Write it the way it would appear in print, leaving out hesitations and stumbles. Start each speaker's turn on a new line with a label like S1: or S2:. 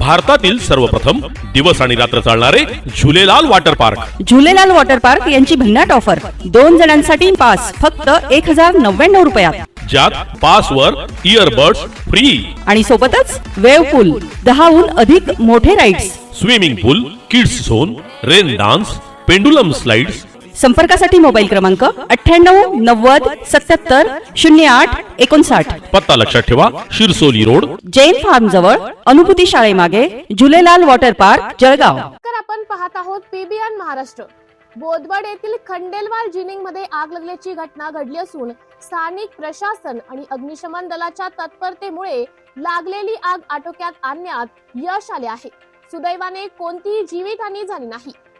S1: भारतातील सर्वप्रथम दिवस आणि रात्र चालणारे Jhulelal water park.
S2: Jhulelal water park यांची भन्नाट ऑफर 2 जणांसाठी पास फक्त 1099 रुपयात,
S1: ज्यात पासवर इयरबड्स फ्री
S2: आणि सोबतच वेव्ह पूल, 10हून अधिक मोठे rides,
S1: swimming pool, kids zone, rain dance, pendulum slides.
S2: संपर्कासाठी मोबाईल क्रमांक 98 90 77 08 59.
S1: पत्ता लक्षात ठेवा, शिरसोली रोड,
S2: जैन फार्म जवळ, अनुभूती शाळेमागे, झुलेलाल वॉटर पार्क, जळगाव.
S3: तर आपण पाहत आहोत पीबीएन महाराष्ट्र. बोदवड येथील खंडेलवाल जिनिंग मध्ये आग लागल्याची घटना घडली असून स्थानिक प्रशासन आणि अग्निशमन दलाच्या तत्परतेमुळे लागलेली आग आटोक्यात आणण्यात यश आले आहे. सुदैवाने कोणतीही जीवितहानी झाली नाही.